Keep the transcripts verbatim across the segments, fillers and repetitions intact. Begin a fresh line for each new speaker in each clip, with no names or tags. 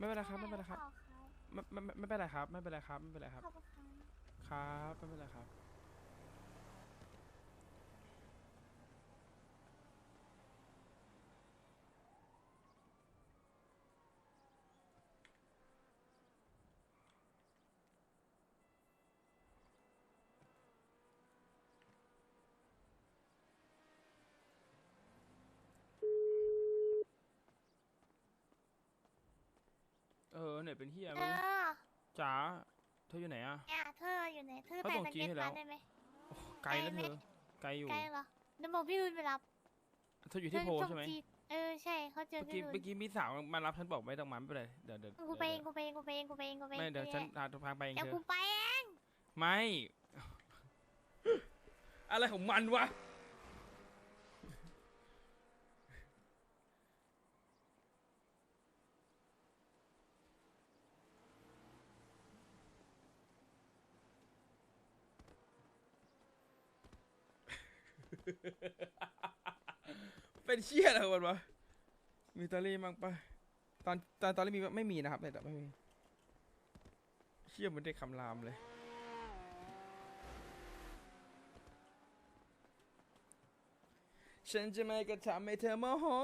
ไม่เป็นไรครับไม่เป็นไรครับไม่ไม่ไม่ไม่เป็นไรครับไม่เป็นไรครับไม่เป็นไรครับ
ขอบคุณค่ะ
ครับไม่เป็นไรครับเออเนี่ยเป็นเฮีย
เธ
ไม่รู้
อ
จ๋าเธออยู่ไหนอะ
เนี่ยเธออยู่ไหนเธอ
เขาส่ง
ไปสเก็ต
จีให้แล้ว
มาได้ไหม
โอ้ไกล
ไกลไหม
นะเธอไกลอยู่
ไกลเหรอเดี๋ยวบอกพี่รุนไปรับ
เธออยู่
เธอ
ที่โพใช่ไหม
ส่งจีเออใช่เขาเจอ
เมื่อ
พี่รุน
กี้เมื่อกี้มีสาวมารับฉันบอกไม่ต้องมาไม่เป็นไรเดี๋ยวเดี๋ยว
กูไปเอง
เดี๋ยวเดี๋ยว
กูไปเองกูไปเองกูไปเองกูไปเอง
ไม่เดี๋ยวฉันพาพาไปเอง
เดี๋ยว
เธอ
กูไปเอง
ไม่อะไรของมันวะเป็นเชี่ยอะไรของมันวะมีตอรี่มั้งปะตอนตอนตอนนี้มีไม่มีนะครับแต่ไม่มีเชี่ยเหมันได้คำรามเลยฉันจะไม่กระทำให้เธอโมโห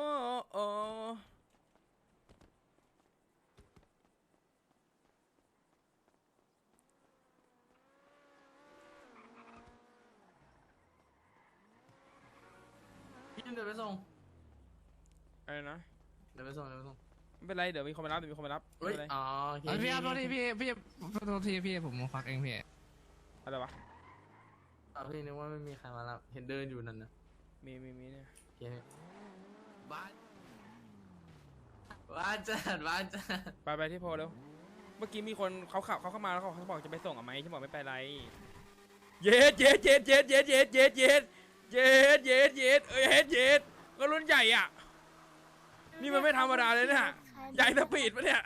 พี่เดี๋ยวไปส่ง
อะไรนะ
เดี๋ยวไปส่งเดี๋ยวไปส่ง
ไม่เป็นไรเดี๋ยวมีคนมารับเดี๋ยวมีคนมารับไม่
เฮ้ย
เป็นไร
อ๋อโอเค
เอ้ยพี่ครับโทษที
พี่
พี่พี่โทษทีพี่ผมควักเองพี่
อะไรวะ
อ่ะพี่นึกว่าไม่มีใครมารับเห็นเดินอยู่นั่นนะ
มีมีมีเนี่ย
โอเคบ้านบ้านจัดบ้านจัด
ไปไปที่โพลเร็วเมื่อกี้มีคนเขาขับเขาเข้ามาแล้วเขาเขาบอกจะไปส่งอ่ะไหมฉันบอกไม่ไปไรเย็ดเย็ดเย็ดเย็ดเย็ดเย็ดเย็ดเย็ดเย็ดเย็ดเย็ดเอ้ยเย็ดเย็ดก็รุ่นใหญ่อ่ะนี่มันไม่ธรรมดาเลยเนี่ยใหญ่สปีดปะเนี่ย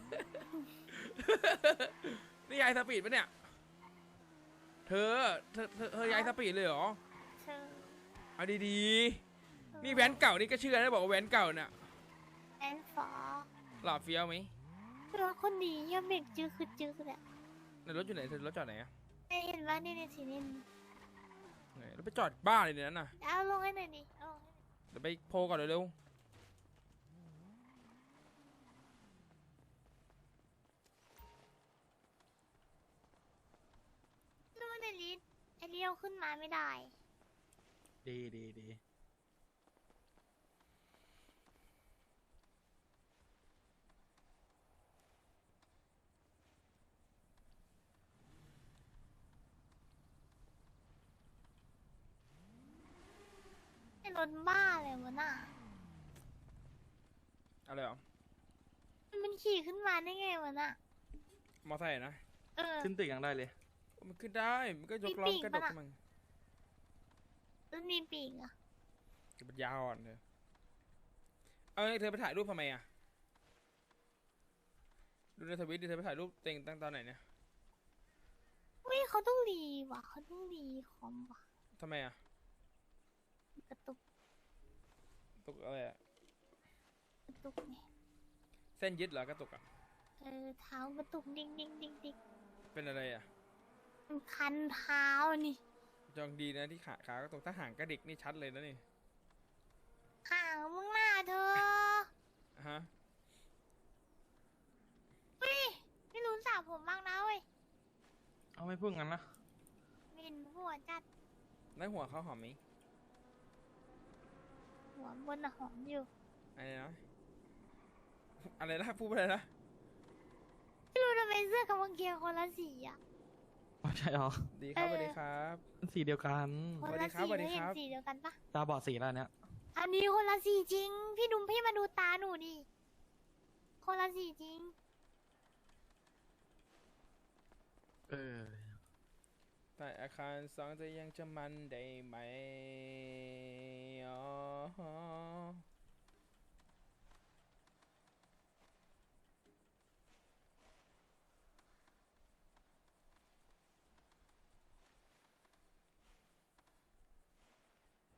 นี่ใหญ่สปีดปะเนี่ยเธอเธอเธอเธอใหญ่สปีดเลยเหรอ
เธอ
เอาดีๆนี่แว้นเก่านี่ก็เชื่อนะบอกว่าแว้นเก่าเนี่ย
แอนฟอร์
หล่อเฟี้ยวไหม
รถคนดีเยี่ยมเด็กจื้อคือจื้อเนี่ย
ในรถอยู่ไหนเธอรถจอดไหนอะ
เห็นว่านี่ในสีนี่
ไหนรถไปจอดบ้านเลยเนี่ยนั่นน่ะ
เอาลงให้หน่อยดิเอาลงให้หน่อย
เดี๋ยวไปโพลก่อนเร็ว
รู้ในลิสไอเลี้ยวขึ้นมาไม่ได้
ดีดีดี
ไอรถบ้าเลยวะน่ะ
ๆอะไรหรอ
มันขี่ขึ้นมาได้ไงวะน่ะ
มอไซค์นะ
เออ
ขึ้นตึกยังได้เลย
มันขึ้นได้มันก็ยก
มี
ล้อ
ปีก
กระดก
ปะน่ะ
มัน
มันมีปีกอะ
จะเป็นยาวอ่อนเธอเอาเธอไปถ่ายรูปทำไมอ่ะดูในทวิตดิเธอไปถ่ายรูปเต็งตั้งตอนไหนเนี่ย
อุ้ยเขาต้องรีว่ะเขาต้องรีคอมว่ะ
ทำไมอ่ะ
กระตุก
ตกอะไรอ่ะ
กระตุกไง
เส้นยึดเหรอกระตุกอ่ะ
เออเท้ากระตุกดิ๊งดิ๊งดิ๊งดิ๊ง
เป็นอะไรอ่ะ
มันคันเท้านี่
จองดีนะที่ขาขากระตุกถ้าห่างกระดิกนี่ชัดเลยนะนี่
ห่างมึงหน้าเธอ
ฮะ
อุ้ยไม่รู้สาวผมบ้างนะเว้ย
เอาไม่พูดงั้นนะ
มินหัวจัด
แล้วหัวเขาหอมไหม
หัวบนน่ะหอมอยู่
อะไรนะอะไรนะพูดอะไรนะ
ไม่รู้ทำไมเสื้อกำลังเกียร์คนละสีอ่ะ
อ๋อใช่หรอ
ดีครับส
เออ
วัสดีครับ
สีเดียวกัน
คน
สวัส
ละ
ดีครับ
สี
สวัสดี
แล้วเห็
คน รับ
สีเดียวกันปะ
ตาบอดสีแล้วเนี้ย
อันนี้คนละสีจริง พี่ดุมพี่มาดูตาหนูดิ คนละสีจริง
เออ
แต่อาคารสองจะยังจะมันได้ไหมอ๋อ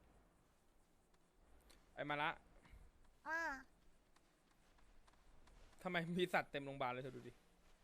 ไอ้มาละ
อ่า
ทำไมมีสัตว์เต็มโรงพยาบาลเลยเธอดูดิ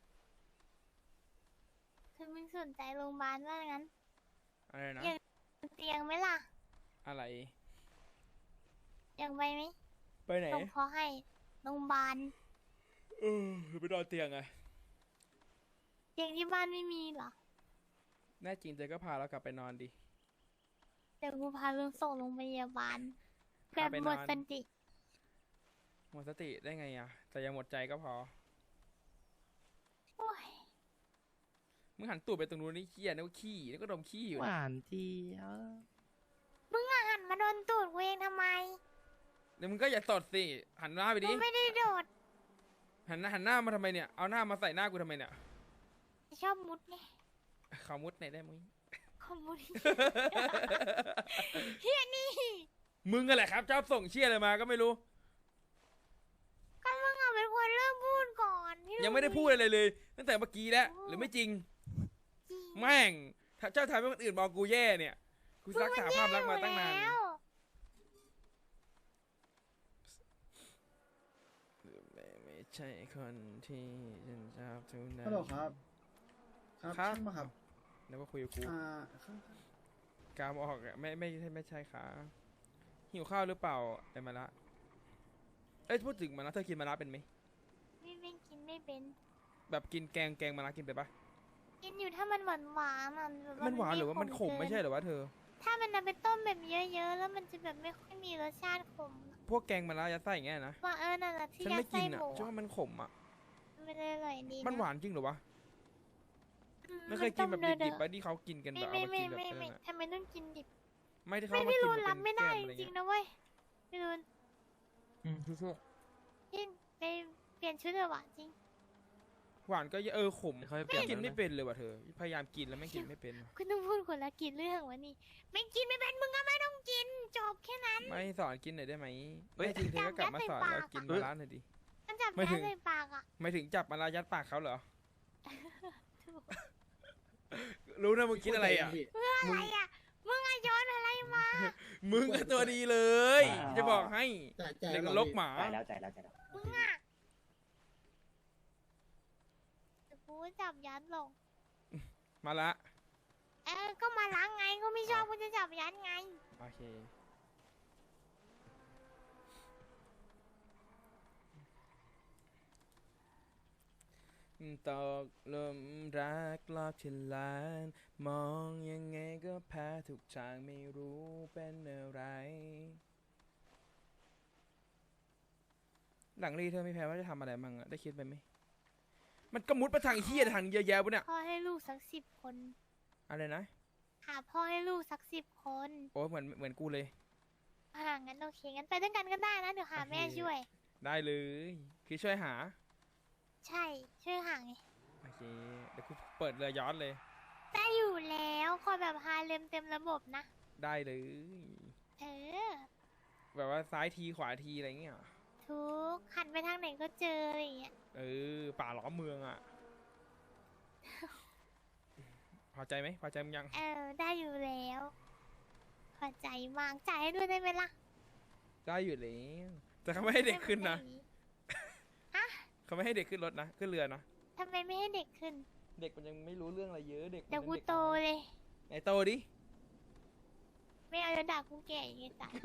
เธอไม่สนใจโรงพยาบาลว่างั้น
อะไรนะ
อยาก เตียงไหมล่ะ
อะไร
อยากไปไหม
ไปไหน
ส่งเขาให้โรงพยาบาล
เออไปนอนเตียงไง
เตียงที่บ้านไม่มีเหรอ
แน่จริงเธอก็พาเรากลับไปนอนดิ
เดี๋ยวกูพาลุงส่งโรงพยาบาลแบ
พา
บ
ไป
หม
นอ
ด
น
สติ
หมดสติได้ไงอ่ะ แต่อยังหมดใจก็พอ
โอ้ย
มึงหันตูดไปตรงนู้นนี่เขี้ยนึกว่าขี้นึกว่าดมขี้อยู่
ห
นะ
วานเจี๊ยบ
มึงอะหันมาโดนตูดกูเองทำไม
เดี๋ยวมึงก็อย่าสดสิ หันหน้าไป
กู
ดิ
ไม่ได้โดด
หันหน้าหันหน้ามาทำไมเนี่ย เอาหน้ามาใส่หน้ากูทำไมเนี่ย
ชอบมุดไง
ขอมุดหน่อยได้มั้ย
ขอมุดเฮียนี่
มึงกันแหละครับชอบส่งเชี่ยอะไรมาก็ไม่รู้
ก็มึงอะเป็นคนเริ่มพูดก่อนพี่
ยังไม่ได้พูดอะไรเลย ตั้งแต่เมื่อกี้แล้ว หรือไม่จริง
จริง
แม่งถ้าเจ้าทำให้คนอื่นมองกูแย่เนี่ย กูรักษาภาพลักษณ์มาตั้งนาน
แล้ว
ไม่ไม่ใช่คนที่ฉันชอบทุกนั้น
ฮัลโหลครับ ครับ
ครับ
ช่างมาครับ
แล้วก็คุยกับกู
อ่าข้าง
กามออกอะไม่ไม่ใช่ไม่ใช่ค่ะหิวข้าวหรือเปล่าไอ้มาละเอ้ยพูดถึงมาละเธอกินมาละเป็นไหม
ไม่ไม่กินไม่เป็น
แบบกินแกงแกงมาละกินไปนปะ
กินอยู่ถ้ามันหวานหวานๆอะแบบ
มันหวานหรือว่ามันขม
เกิ
ไม่ใช่เหรอวะเธอ
ถ้ามันเอาไปต้มแบบเยอะๆแล้วมันจะแบบไม่ค่อยมีรสชาติขม
พวกแกงมาละยัดไส้อย่างเงี้ยนะ
ว่าเออนั่นแหละที่
ฉัน
ยั
ไม่
ด
กิ
ไส้
น
ห
อ่ะ
มู
ฉันว่ามันขมอ่ะ
มันอร่อยดี
มันหวานจริงเหรอวะ
อื
ไม่เคยกินแบบ
ต้ม
ดิบๆ
ๆ
ไปที่เขากินกันแบ
ไม่
บเอา
ไม่
มา
ไม่
กินแบบ
ไม่
นั้น
ไม่
อะ
ทำไมต้องกินดิบ
ไม่ที่
ไม่
เขามา
ไม่
กิน
รู้
แบบ
รับ
เป็
ไม่
น
ได้
แก้ม
จ
อะไร
ริง
เงี้ย
ๆนะเว้ยไม่รู้
อืมสู้
กินไปเปลี่ยนชุดเถอะวะจริง
หวานก็เยอะเออขม
เขาไปเปลี่ยน
กิน
แล้ว
ไม่
นะ
เป็นเลยว่ะเธอ พยายามกินแล้วไม่กินไม่เป็น
คุณต้องพูดคนละกินเรื่องวะนี่ไม่กินไม่เป็นมึงก็ไม่ต้องกินจบแค่นั้น
ไม่สอนกินหน่อยได้ไหมไม่จริงเธอก็กลับมาสอนเรากินมาละหน่อยดิ
มันจับ
ไม่
แย่
ถึง
ใส่ปากอ่ะ
ไม่ถึงจับมาละยัดปากเขาเหรอ
ถูก
รู้นะมึงคิดอะไรอ่ะ
พี่
อะไรอ่ะมึงอะโย้อนอะไรมา
มึงก็ตัวดีเลย จะบอกให้
จ่ายจ่าย
เด็กน
ก่อน
รก
พี่
หมา
จ่ายแล้วจ่ายแล้วจ่ายแล้ว
มึงอ่ะแต่กูจับยัดลง
มาละ
เออก็มาล้างไงก็ไม่ชอบกูจะจับยัดไง
โอเคตกหลุมรักรอบที่ลาน มองยังไงก็แพ้ทุกทางไม่รู้เป็นอะไร หลังรีเธอไม่แพ้ว่าจะทำอะไรมั่งอะได้คิดไปไหม มันก็มุดไปทางเฮียทางเยอะแยะปะเนี่ย
พ่อให้ลูกสักสิบคน
อะไรนะ
หาพ่อให้ลูกสักสิบคน
โอ้เหมือนเหมือนกูเลย
อ่างั้นโอเคงั้นไปด้วยกันก็ได้นะเดี๋ยวหาแม่
โอเค
ช่วย
ได้เลย คือช่วยหา
ใช่ช่วยหาไง
โอเค เดี๋ยวกูเปิดเรือย้อนเลย
ได้อยู่แล้วคอยแบบฮาเลมเต็มระบบนะ
ได้เลย
เออ
แบบว่าซ้ายทีขวาทีอะไรเงี้ย
ทุกหันไปทางไหนก็เจออะไรอย่างเงี้ย
เออ ป่าล้อมเมืองอ่ะ พอใจไหมพอใจมึงยัง
เออได้อยู่แล้วพอใจมากจ่ายให้ด้วยได้ไหมล่ะ
ได้อยู่แล้วแต่เขาไม่ให้เด็กขึ้นนะ
ได้ไหม
เขาไม่ให้เด็กขึ้นรถนะ ขึ้นเรือนะ
ทำไมไม่ให้เด็กขึ้น
เด็กมันยังไม่รู้เรื่องอะไรเยอะ เด็กมัน
เดี๋ยวกู
ป็นด็
โตเลย
ไหนโตดิ
ไม่เอาจะด่ากูแก่ยังไงตาย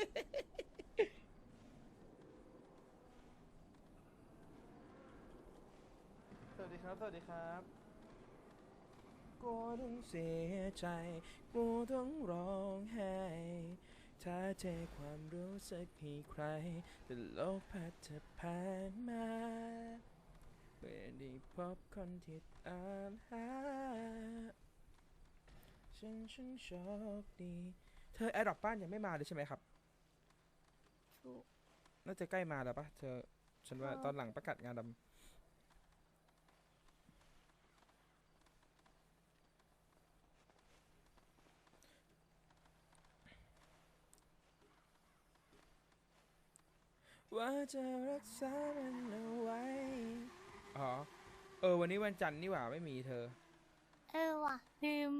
สวัสดีครับ สวัสดีครับ กูต้องเสียใจ กูต้องร้องไห้ ถ้าเทความรู้สึกให้ใคร แต่โลกพัดจะผ่านมาเมื่อได้พบคนที่ตามหา ฉันฉันโชคดี เธอแอดดอกบ้านยังไม่มาเลยใช่ไหมครับ
ถูก
น่าจะใกล้มาแล้วปะเธอ ฉันว่า
อ๋อ
ตอนหลังประกาศงานดำว่าจะรักษามันเอาไว้ อ๋อ เออ วันนี้วันจันทร์นี่หว่าไม่มีเธอ
เออว่ะลืม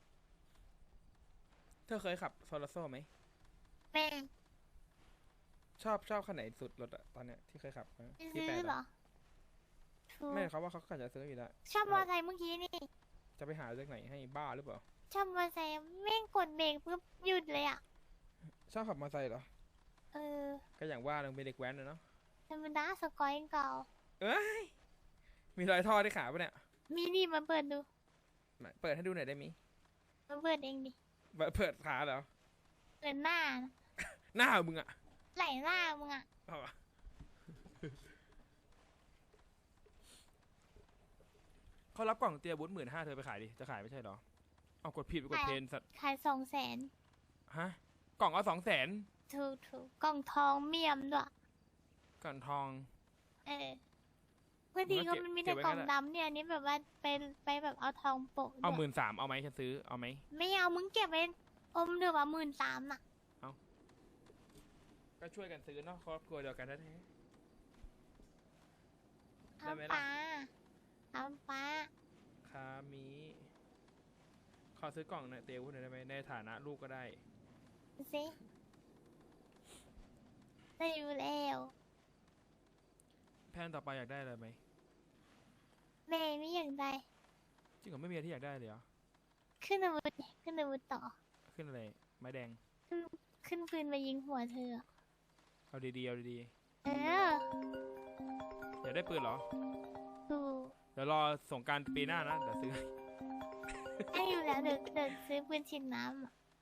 เธอเคยขับโซลาโซ่ไหม
แม่
ชอบชอบคันไหนสุดรถอะตอนเนี้ยที่เคยขับนะ
จะ
ที่
ซื้
แป
อ
ด
เหรอ
อะ
ถูก
ไม่เขาว่าเขาก็จะซื้ออยู่แล้ว
ชอบมอไซค์เมื่อกี้นี่
จะไปหาจากไหนให้บ้าหรือเปล่า
ชอบมอไซค์แม่งกดเบรกปุ๊บหยุดเลยอ่ะ
ชอบขับมอเตอร์ไซค์เหรอ
เออ
ก็อย่างว่าเราเป็นเด็กแว้นนะเนาะ
ธรรมดาสกอยเก่า
เอ้ยมีรอยท่อที่ขาปะเนี่ย
มีนี่มาเปิดดู
มาเปิดให้ดูหน่อยได้มิ
มาเปิดเองดิ
เปิดเปิดขาเหรอ
เปิดหน้านะ
หน้ามึงอะ
ไหลหน้ามึงอ่ะ
เอาวะเขารับกล่องเตียบุตหมื่นห้าเธอไปขายดิ จะขายไม่ใช่เหรอ เอากดผิดไปกดเพนสัตว์
ขายสองแสน
ฮะ กล่องเอาสองแสน
ถูกถูกกล่องทองเมียมด้วย
กล่องทอง
เออเพื่อดี
มึงก็
ก็
เก็บ
มันมี
เก็
แต่
บไว้
กล่อง
งั้นแหละ
ดำเนี่ยอันนี้แบบว่าไปไปแบบเอาทองโปะ
เอาห
ด้วย
มื่นสามเอาไหมฉันซื้อ เอาไหม
ไม่เอามึงเก็บไว้อมเดือบว่าหมื่นสามน่ะ
ก็ช่วยกันซื้อเนาะครอบครัวเดียวกันแท้ ได้ไหม
ทำ
ล่ะ
ปลาทำปลา
ๆคามีขอซื้อกล่องหน่อยเตียวุฒหน่อยได้ไหมในฐานะลูกก็ได้
ดูสิได้อยู่แล้ว
แพนต่อไปอยากได้อะไรไหม
แม่ไม่อยากได้
จริงเหรอไม่มีอะไรที่อยากได้เลยเหรอ
ขึ้นอาวุธดิขึ้นอาวุธต่อ
ขึ้นอะไร ไม้แดง
ขึ้นขึ้นปืนมายิงหัวเธออะ
เอาดีๆ เอาดี
เออ
ๆ อยากได้ปืนเหรอ
ดู
เดี๋ยวรอสงกรารปีหน้านะ เดี๋ยวซื้อ
ได้อยู่แล้วเดี๋ยวเดี๋ยวซื้อปืนฉีดน้ำอะ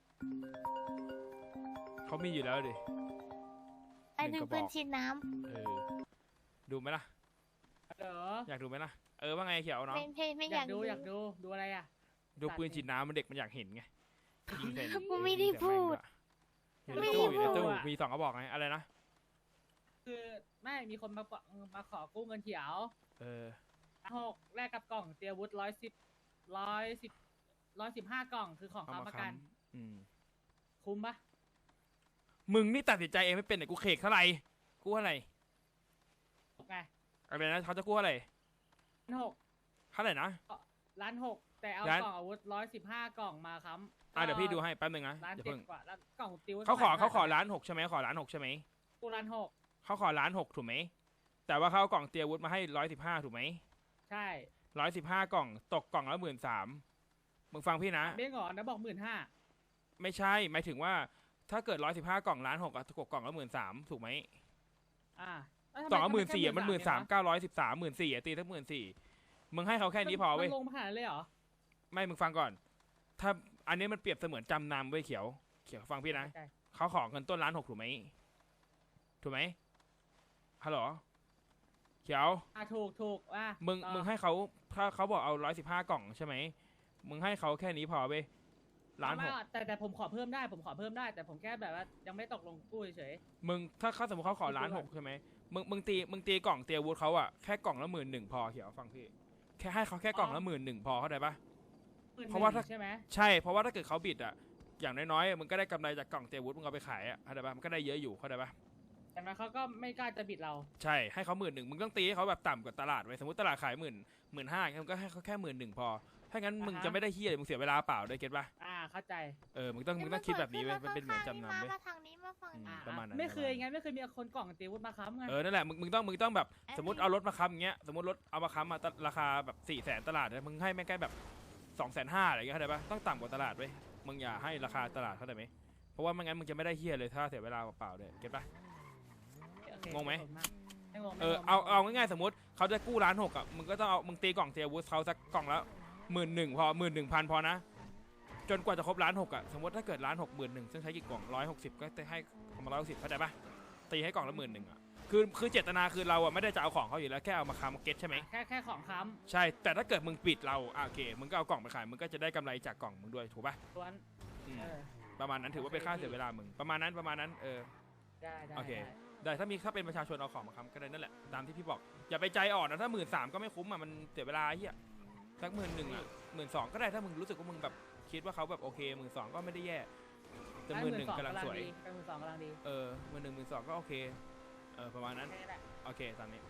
เขามีอยู่แล้วดิ
ไป
หนึ่
ดู
งกระบอก
ปืนฉีดน้
เออ ดูไหมล่ะ
เหรอ
อยากดูไหมล่ะ เออว่าไงเขียว
ำ
เนาะ
ไม่ไม่ไม่อยาก ก
อายดู
ดู
อยากดูดูอะไรอ่ะ
ดูปืนฉีดน้ำมันเด็กมันอยากเห็นไง ยิงใส่
กูไม่ได้พูด
อยู่ใน
ไม่
ตู้
ได้
อยู่ในตู้
พูดอะ
มีสองกระบอกไง อะไรนะ
คือไม่มีคนมาขอมาขอกู้เงินเขียว
เออ
หกแลกกับกล่องเตียวุฒร้อยสิบร้อยสิบร้อยสิบห้ากล่องคือของ
เอา
ค้ำ
มา
ประกัน
ค้ำอืม
คุ้มปะ
มึงนี่ตัดสินใจเองไม่เป็นเนี่ยกูเคกเท่าไหร่กูเท่าไหร่
ไง
อะไรนะเขาจะกู้เท่าไหร่
ล้านหก
เท่าไหร่นะ
ล้านหกแต่เอา
ล้าน
กล่องอาวุธร้อยสิบห้ากล่องมาค้ำ
อ่ะเดี๋ยวพี่ดูให้แป๊บนึงนะ
ล้าน
อย่า
เจ็ด
เพิ่ง
กว่าแล้วกล่องติว
เขาขอ
ท่ไหร่
เขาขอล้านหกใช่ไหมขอล้านหกใช่ไหม
กูล้านหก
เขาขอล้านหกถูกไหมแต่ว่าเขาเอากล่องเตียวุฒมาให้ร้อยสิบห้าถูกไหม
ใช่
ร้อยสิบห้ากล่องตกกล่องละหมื่นสามมึงฟังพี่นะ
เบี้ยงก่อนนะบอกหมื่นห้า
ไม่ใช่หมายถึงว่าถ้าเกิดร้อยสิบห้ากล่องล้านหกอะตกกล่องละหมื่นสามถูกไหม
อ่าแล้วทำไ
กล่องละหมื่นสี่
ทำไ
มันหมื่นสาม
เองวะ
เก้าร้อยสิบสามหมื่นสี่ตีทั้งหมื่นสี่มึงให้เขาแค่นี้พอเว้ย
มันลงมาขนาดนั้นเลยเหรอ
ไม่มึงฟังก่อน ถ้าอันนี้มันเปรียบเสมือนจำนำเว้ยเขียวเขียวฟังพี่นะ
ใช่
เขาขอเงินต้นล้านหกถูกไหมถูกไหมฮัลโหลเขียว
อ่ะถูกถูกอ่ะ
มึง
ต่อ
มึงให้เขาถ้าเขาบอกเอาร้อยสิบห้ากล่องใช่ไหมมึงให้เขาแค่นี้พอเว้ยล้านห
ไม่
ก
อ่ะแต่แต่ผมขอเพิ่มได้ผมขอเพิ่มได้ แต่ผมแค่แบบว่ายังไม่ตกลงกู้เฉย
มึงถ้าเขาสมมติเขาขอล้านหกใช่ไหมมึงมึงตีมึงตีกล่องเตียวูดเขาอะแค่กล่องละหมื่นหนึ่งพอเขียวฟังพี่แค่ให้เขาแค่กล่องละหมื่นหนึ่งพอเข้าใจปะ
ๆ
เพราะว่าถ้า
ใช่ไหม
ใช่เพราะว่าถ้าเกิดเขาบิดอะอย่างน้อยๆมึงก็ได้กำไรจากกล่องเตียวูดมึงเอาไปขายอะเข้าใจปะมันก็ได้เยอะอยู่เข้าใจปะ
แต่นั้นเขาก็ไม่กล้าจะบิดเรา
ใช่ให้เขาหมื่นหนึ่งมึงต้องตีให้เขาแบบต่ำกว่าตลาดไว้สมมติตลาดขายหมื่นหมื่นห้ามึงก็ให้เขาแค่หมื่นหนึ่งพอถ้างั้นมึงจะไม่ได้เฮียเลยมึงเสียเวลาเปล่าด้วยเก็ตปะ
อ่าเข้าใจ
เออมึงต้องมึงต้องคิดแบบนี้เว้ยมันเป็นเหมือนจำนำ
มา
เว้ย
มาทางนี้มาฝั่ง
อื
นี้
มประมาณนั้น
ไม่เคยงั้นไม่เคยมีคนกล่องตีวุฒมาค้ำไง
เออนั่นแหละมึงมึงต้องมึงต้องแบบ
อันนี้
สมมติเอารถมาค้ำอย่างเงี้ยสมมติรถเอามาค้ำมาตราคาแบบสี่แสนตลาดเนี่ยมึงให้แม่งแค่แบบสองแสนห้าอะไรอย่างเงี้ยเข้าใจปะต้องต่ำกว่าตลาดเว้ยมึงอย่าให้ราคาตลาดเข้าใจไหมเพราะว่าไม่งั้นมึงจะไม่ได้เฮียเลยถ้าเสียเวลาเปล่าๆเลยเก็ตปะ
โอเค
งงไหม
ไม่งง
เอ
ไม่
อง
ง
เอา
ไม่งง
เอาง่ายๆสมมติเขาจะกู้ล้านหกอ่ะมึงก็ต้องเอามึงตีกล่องเทียวูสเขาสักกล่องละหมื่นหนึ่งพอหมื่นหนึ่งพันพอนะจนกว่าจะครบล้านหกอ่ะสมมติถ้าเกิดล้านหกหมื่นหนึ่งซึ่งใช้กี่กล่องร้อยหกสิบก็จะให้ประมาณร้อยหกสิบเข้าใจปะตีให้กล่องละหมื่นหนึ่งอ่ะคือคือเจตนาคือเราอ่ะไม่ได้จะเอาของเขาอยู่แล้วแค่เอามาค้ำเก็ตใช่ไหม
แค่แค่ของค้
ใช่แต่ถ้าเกิดมึงปิดเราอ่ะโอเคมึงก็เอากล่องไปขายมึงก็จะได้กำไรจากกล่องมึงด้วยถูกปะ
ำล้วน
อืม
เออ
ประมาณนั้นถือว่าเป็นค่าเสียเวลามึงประมาณนั้นประมาณนั้นเออ
ได้ได้
โอเค
ได้
ได้ถ้ามีถ้าเป็นประชาชนเอาของมาค้ำก็ได้นั่นแหละตามที่พี่บอกอย่าไปใจอ่อนนะถ้าหมื่นสามก็ไม่คุ้มอ่ะมันเสียเวลาไอ้เฮียสักหมื่นหนึ่งอ่ะหมื่นสองก็ได้ถ้ามึงรู้สึกว่ามึงแบบคิดว่าเขาแบบโอเคหมื่นสองก็ไม่ได้แย่แต่หมื่นหนึ่งกำลังสวย
เป็นหมื่นสองกำลังดี
เออหมื่นหนึ่งหมื่นสองก็โอเคเออประมาณนั้น
แค่นี้แหละ
โอเคตามนี้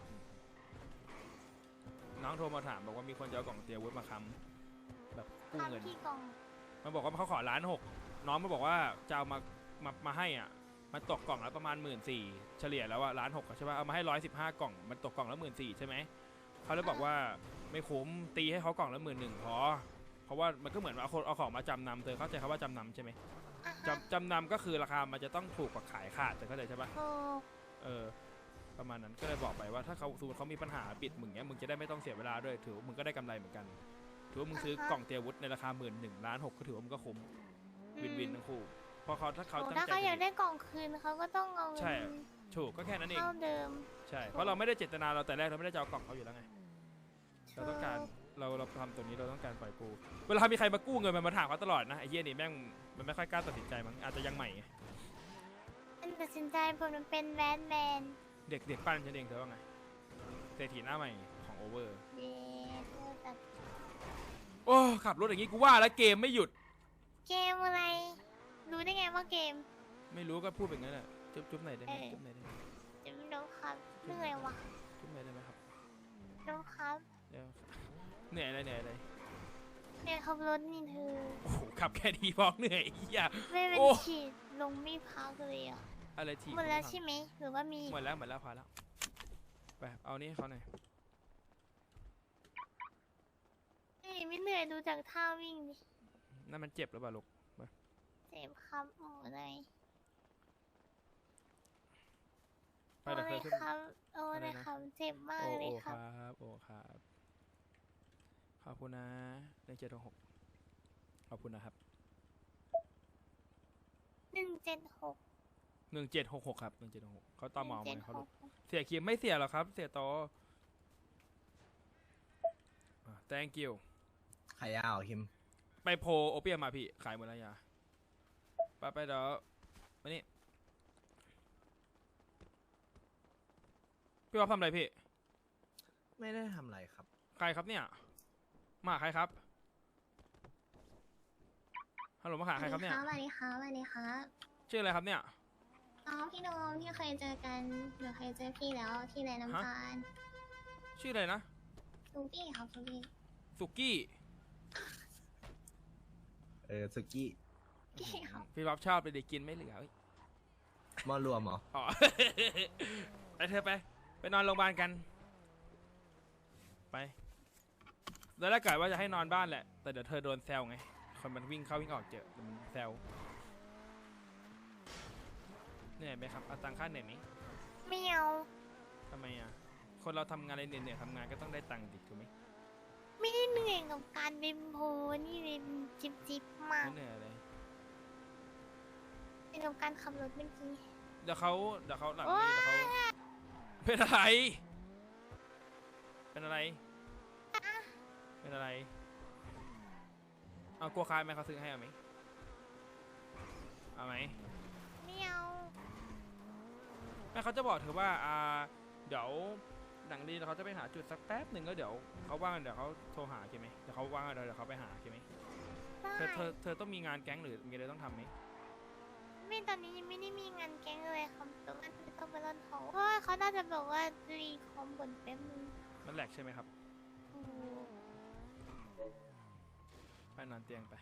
น้องโทรมาถามบอกว่ามีคนจะเอากล่องเตียวุฒมาค้ำแบบกู้เงิน
ทำที่กล่อง
มันบอกว่าเขาขอล้านหกน้องมาบอกว่าจะเอามามามาให้อ่ะมันตกกล่องละประมาณหมื่นสี่เฉลี่ยแล้วอะล้านหกใช่ป่ะเอามาให้ร้อยสิบห้ากล่องมันตกกล่องละหมื่นสี่ใช่ไหมเขาเลยบอกว่าไม่คุ้มตีให้เขากล่องละหมื่นหนึ่งพอเพราะว่ามันก็เหมือนว่าเอาคนเอาของมาจำนำเธอเข้าใจคำว่าจำนำใช่ไหม
อ่ะฮะ
จำจำนำก็คือราคามันจะต้องถูกกว่าขายขาดเธอเข้าใจใช่ป่ะ
ถูก
เออประมาณนั้นก็เลยบอกไปว่าถ้าเขาสมมติเขามีปัญหาปิดมึงเนี้ยมึงจะได้ไม่ต้องเสียเวลาด้วยถือว่ามึงก็ได้กำไรเหมือนกันถือว่ามึงซื้อกล่องเตรียมอาวุธในราคาหมื่นหนึ่งล้านหกก็ถือว่ามึงก็คุ้มวินวินทั้งคู่เพราะเขาถ้าเขา
โอ้
ตั้ง
ถ้า
ใจ
เขาอยาก
จะ
ได้กล่องคืนเขาก็ต้องเอา
ใช่
เงิน
ถูกก็แค่นั้นเอง
เท่าเดิม
ใช่เพราะเราไม่ได้เจตนาเราแต่แรกเราไม่ได้จะเอากล่องเขาอยู่แล้วไงเราต้องการเราเราทำตัวนี้เราต้องการปล่อยกู้เวลามีใครมากู้เงินมันมาถามเขาตลอดนะไอ้เหี้ยนี่แม่งมันไม่ค่อยกล้าตัดสินใจมั้งอาจจะยังใหม่ไง
มันตัดสินใจผมมันเป็นแบนแมน
เด็กเด็กปั้นฉันเองเธอว่าไงเศรษฐีหน้าใหม่ของโอเวอร์
เย้แต่
โอ้ขับรถอย่างงี้กูว่าแล้วเกมไม่หยุด
เกมอะไร รู้ได้ไงว่าเกม
ไม่รู้ก็พูดแบบนั้นแหละจุ๊บจุ๊บไหนอยได้ไหมจุ๊บไหนอยได้ไหม
จะไม่รู้ครับเหนื่อยว่ะ
จุ๊บไหนอยได้ไหมครับ
รู้ครับ
เดี๋ยวเหนื่อยอะไรเหนื่อยอะไร
เหนื่อยขับรถนี่เธอ
โอ้โหขับแค่ดีพอเหนื่อยเหี้ย
ไม่เป็น
โอ้
ฉีดลงไม่พักเลยอ่ะ
อะไรที
หมดแล้วใช่ไหมหรือว่ามี
หมดแล้วหมดแล้วพอแล้วไปเอานี่ให้เขาหน่อย
เอ้ยไม่เหนื่อยดูจากท่าวิ่งดิ
นั่นมันเจ็บหรือเปล่าลูก
เจ็บครับโอ้เลย
ไป
โอ้
เดี๋ยว
เล
เธ
ย
อขึ้น
ครับโอ้
อะไร
เลย
นะ
ครับเจ็บมาก
โอ้
เล
โอ้
ย
ค
ครั
รั
บบ
โอ้ครับขอบคุณนะหนึ่งเจ็ดหกขอบคุณนะครับ
หนึ่งเจ็ดหก
หนึ่งเจ็ดหกหกครับหนึ่งเจ็ดหกเขาตอมอ
หนึ่
มาง
เจ็ด
เขา
ห
ลู
ก
กเสียคิมไม่เสียหรอกครับ เสียโตอ่ะ thank you
ขายยาวคิม
ไปโพลโอเปียมมาพี่ ขายหมดแล้วยาไปไปเดี๋ยวมานี่พี่ว่าทำอะไรพี่
ไม่ได้ทำอะไรครับ
ใครครับเนี่ย มาหาใครครับ ฮัลโหลมาหาใครครับเนี่ย
สวัสดีครับสวัสดีครับ
ชื่ออะไรครับเนี่ย
อ๋อพี่โดมพี่เคยเจอกันหนูเคยเจอพี่แล้วที่ไรน้ำตาล
ชื่ออะไรนะ
ลูกี้ครับลูกี้
สุกี้
เออสุกี้
กี้ครับ
พี่รับชอบไปเด็กกินไม่เหลือเอ้ย
มอรวมเหรอ
อ๋อ ไปเธอไป ไปนอนโรงพยาบาลกัน ไปแล้วถ้าเกิดว่าจะให้นอนบ้านแหละ แต่เดี๋ยวเธอโดนแซวไง คนมันวิ่งเข้าวิ่งออกเจอเดี๋ยวมันแซวเหนื่อยไหมครับ เอาตังค่าเหนื่อยไหม
ไม่เอา
ทำไมอ่ะ คนเราทำงานอะไรเหนื่อยๆทำงานก็ต้องได้ตังค์ดิถูกไหม
ไม่ได้เหนื่อยกับการเดินโพนี่เลยจิบจิบมาก
ไม่เหนื่อยอะไร
เหนื่อยกับการขับรถเมื่อกี้
เดี๋ยวเขาเดี๋ยวเขาหลัง
โอ๊
นี้
ย
เดี๋ยวเขาเป็นอะไร เป็นอะไร เป็นอะไร เอากลัวคายไหมเขาซื้อให้เอาไหมเอาไหม
ไม่เอา
แม่เขาจะบอกเธอว่าอ่าเดี๋ยวหลังดีเดี๋ยวเขาจะไปหาจุดสักแป๊บหนึ่งแล้วเดี๋ยวเขาว่างเดี๋ยวเขาโทรหาใช่ไหมเดี๋ยวเขาว่างเดี๋ยวเขาไปหาใช่ไหม
ได้
เธอเธอเธอต้องมีงานแก๊งหรือมีอะไรต้องทำไหม
ไม่ตอนนี้ยังไม่ได้มีงานแก๊งเลยครับแต่ว่าต้องไปร่อนทองเพราะว่าเขาน่าจะบอกว่ารีคอมบนแป๊บนึง
มันแหลกใช่ไหมครับ
โอ้
ไปนอนเตียงไป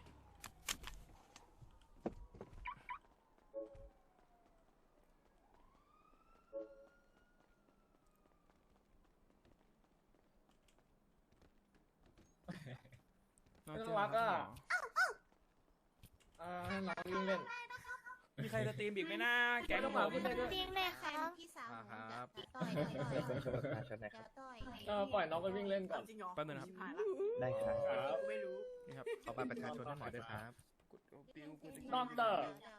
นอนเตียง
น่ารัก
ค
อะ
รับ
อ่าให้น้องวิ่งเล่น
มีใครจะตีมอีกไหมนะแก๊ง
ไม่ต้อง
ผ
มา
ม
พูดเลยด้วย
เตียงเลยครับ
พี่สาว
อ่าครับ
ต่อยต่อยต่อย
เออปล่อยน้องไปวิ่งเล่นก่อน
แป๊บนึงนะครับ
ได้ครับ
ครับ
นี่ครับ
ขอบัตรประชาชนให้หมอด้วยครับ
นอกเตอร์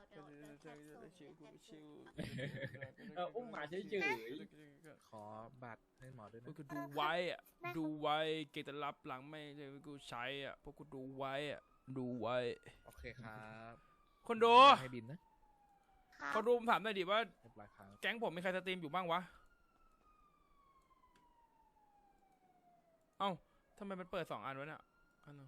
เอออุ้มหมาเฉย
ขอบัตรให้หมอด้วย
พว
นะ
กกูดูไว้อะดูไว้เกตรับหลังไม่ใช่กูใช้อะพวกกูดูไว้อะดูไว้
โอเคครับ
คนดู
ให้บินนะ
ครับ
คนดูผมถามหน่อยดิว่า
เรียบร้อยครับ
แก๊งผมมีใครสตรีมอยู่บ้างวะ เอ้าทำไมมันเปิดสองอันวะเนี่ยอันนึง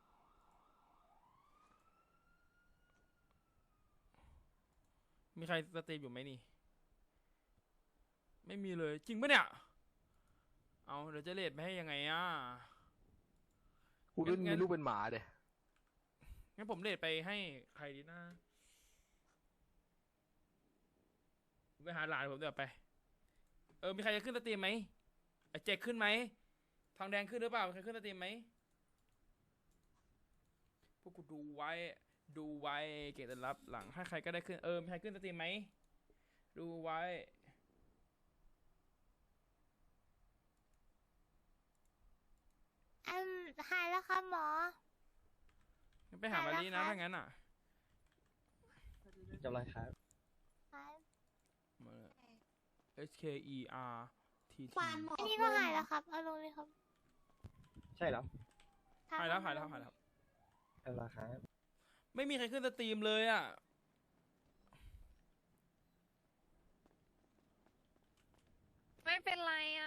มีใครสตรีมอยู่ไหมนี่ ไม่มีเลยจริงปะเนี่ย เอาเดี๋ยวจะเลทไม่ให้ยังไงอ่ะ
กูรุ่นมีลูกเป็นหมาเด้
งั้นผมเลทไปให้ใครดีนะไปหาหลานผมเดี๋ยวไปเออมีใครจะขึ้นสตรีมไหมไอ้เจ๊กขึ้นไหมทองแดงขึ้นหรือเปล่ามีใครขึ้นสตรีมไหมพวกกูดูไว้ดูไว้เกตรับหลังให้ใครก็ได้ขึ้นเออมีใครขึ้นสตรีมไหมดูไว้
อืมหายแล้วครับหมอ
งั้นไปหามารีนะถ้างั้นอ่ะ
จำไรครับ
หาย
มาเลย H K E R T T
ความหมอ
อันนี้ก็หายแล้วครับ เอาลงเลยครับ
ใช่เหรอ
ครับ
หายแล้วหายแล้วหายแล้ว
จำไรครับ
ไม่มีใครขึ้นสตรีมเลยอ่ะ
ไม่เป็นไรอ่ะ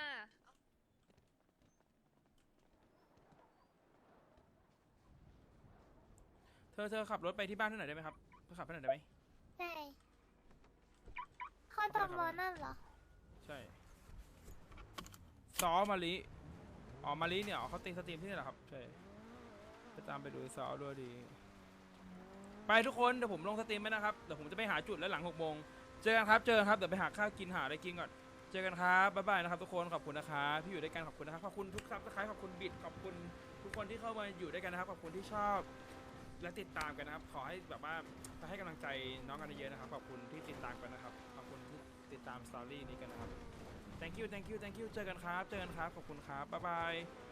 เธอเธอขับรถไปที่บ้านที่ไหนอยได้ไหมครับเธอขับไปไหนอยได้ไหม
ใช่เข้าตอมอนั่นเหรอ
ใช่ซอมาลิอ๋อมาลิเนี่ยอ๋อเขาตีสตรีมที่นี่เหรอครับใช่ไปตามไปดูซอด้วยดีไปทุกคนเดี๋ยวผมลงสตรีมไปนะครับเดี๋ยวผมจะไปหาจุดแล้วหลังหกโมงเจอกันครับเจอกันครับเดี๋ยวไปหาข้าวกินหาอะไรกินก่อนเจอกันครับบ๊ายบายนะครับทุกคนขอบคุณนะครับที่อยู่ด้วยกันขอบคุณนะครับขอบคุณทุกซับสไครต์ขอบคุณบิดขอบคุณทุกคนที่เข้ามาอยู่ด้วยกันนะครับขอบคุณที่ชอบและติดตามกันนะครับขอให้แบบว่าไปให้กำลังใจน้องกันเยอะๆนะครับขอบคุณที่ติดตามกันนะครับขอบคุณที่ติดตามสตอรี่นี้กันนะครับ thank you thank you thank you เจอกันครับเจอกันครับขอบคุณครับบ๊ายบาย